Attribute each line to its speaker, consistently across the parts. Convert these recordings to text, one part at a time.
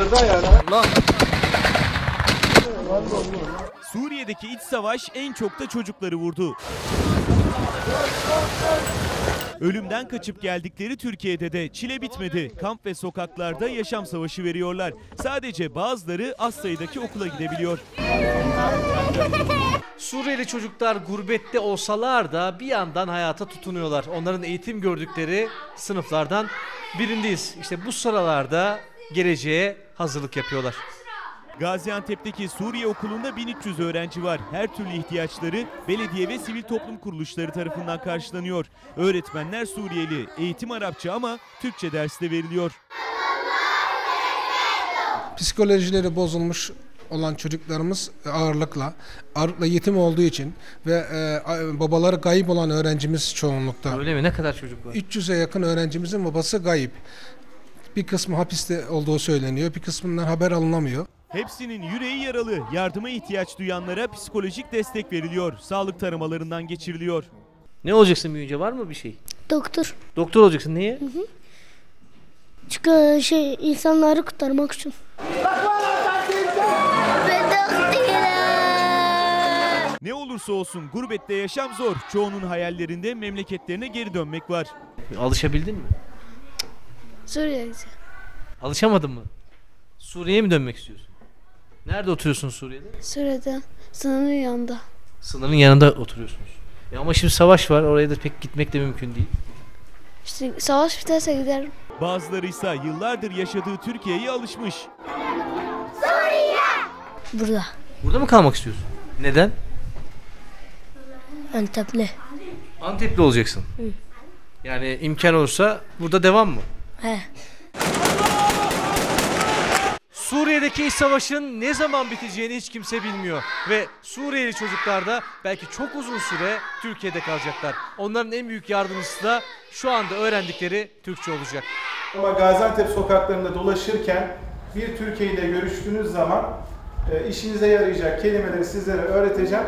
Speaker 1: Suriye'deki iç savaş en çok da çocukları vurdu. Ölümden kaçıp geldikleri Türkiye'de de çile bitmedi. Kamp ve sokaklarda yaşam savaşı veriyorlar. Sadece bazıları az sayıdaki okula gidebiliyor.
Speaker 2: Suriyeli çocuklar gurbette olsalar da bir yandan hayata tutunuyorlar. Onların eğitim gördükleri sınıflardan birindeyiz. İşte bu sıralarda geleceğe hazırlık yapıyorlar.
Speaker 1: Gaziantep'teki Suriye Okulu'nda 1300 öğrenci var. Her türlü ihtiyaçları belediye ve sivil toplum kuruluşları tarafından karşılanıyor. Öğretmenler Suriyeli, eğitim Arapça ama Türkçe dersi de veriliyor.
Speaker 3: Psikolojileri bozulmuş olan çocuklarımız ağırlıkla yetim olduğu için ve babaları kayıp olan öğrencimiz çoğunlukta.
Speaker 2: Öyle mi? Ne kadar çocuk var?
Speaker 3: 300'e yakın öğrencimizin babası kayıp. Bir kısmı hapiste olduğu söyleniyor, bir kısmından haber alınamıyor.
Speaker 1: Hepsinin yüreği yaralı. Yardıma ihtiyaç duyanlara psikolojik destek veriliyor. Sağlık taramalarından geçiriliyor.
Speaker 2: Ne olacaksın büyüyünce, var mı bir şey?
Speaker 4: Doktor.
Speaker 2: Doktor olacaksın. Niye?
Speaker 4: Çünkü insanları kurtarmak için.
Speaker 1: Ne olursa olsun gurbette yaşam zor. Çoğunun hayallerinde memleketlerine geri dönmek var.
Speaker 2: Alışabildin mi?
Speaker 4: Suriye'de.
Speaker 2: Alışamadın mı? Suriye'ye mi dönmek istiyorsun? Nerede oturuyorsun Suriye'de?
Speaker 4: Suriye'de sınırın yanında.
Speaker 2: Sınırın yanında oturuyorsunuz. Ama şimdi savaş var. Oraya da pek gitmek de mümkün değil.
Speaker 4: İşte savaş biterse giderim.
Speaker 1: Bazıları ise yıllardır yaşadığı Türkiye'ye alışmış.
Speaker 4: Burada.
Speaker 2: Burada mı kalmak istiyorsun? Neden?
Speaker 4: Antepli.
Speaker 2: Antepli olacaksın.
Speaker 4: Hı.
Speaker 2: Yani imkan olursa burada devam mı?
Speaker 4: He.
Speaker 2: Suriye'deki iç savaşın ne zaman biteceğini hiç kimse bilmiyor. Ve Suriyeli çocuklar da belki çok uzun süre Türkiye'de kalacaklar. Onların en büyük yardımcısı da şu anda öğrendikleri Türkçe olacak.
Speaker 5: Ama Gaziantep sokaklarında dolaşırken bir Türkiye ile görüştüğünüz zaman işinize yarayacak kelimeleri sizlere öğreteceğim.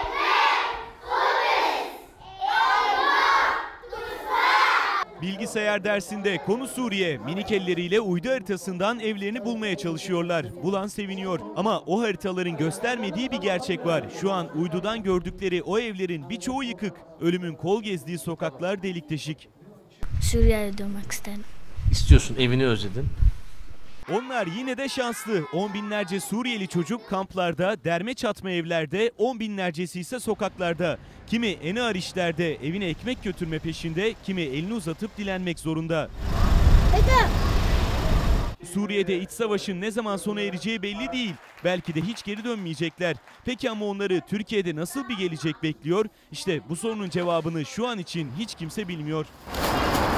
Speaker 1: Bilgisayar dersinde konu Suriye. Minik elleriyle uydu haritasından evlerini bulmaya çalışıyorlar. Bulan seviniyor. Ama o haritaların göstermediği bir gerçek var. Şu an uydudan gördükleri o evlerin birçoğu yıkık. Ölümün kol gezdiği sokaklar delik deşik.
Speaker 4: Suriye'ye dönmek isterim.
Speaker 2: İstiyorsun, evini özledin.
Speaker 1: Onlar yine de şanslı. On binlerce Suriyeli çocuk kamplarda, derme çatma evlerde, on binlercesi ise sokaklarda. Kimi en ağır işlerde evine ekmek götürme peşinde, kimi elini uzatıp dilenmek zorunda. Suriye'de iç savaşın ne zaman sona ereceği belli değil. Belki de hiç geri dönmeyecekler. Peki ama onları Türkiye'de nasıl bir gelecek bekliyor? İşte bu sorunun cevabını şu an için hiç kimse bilmiyor.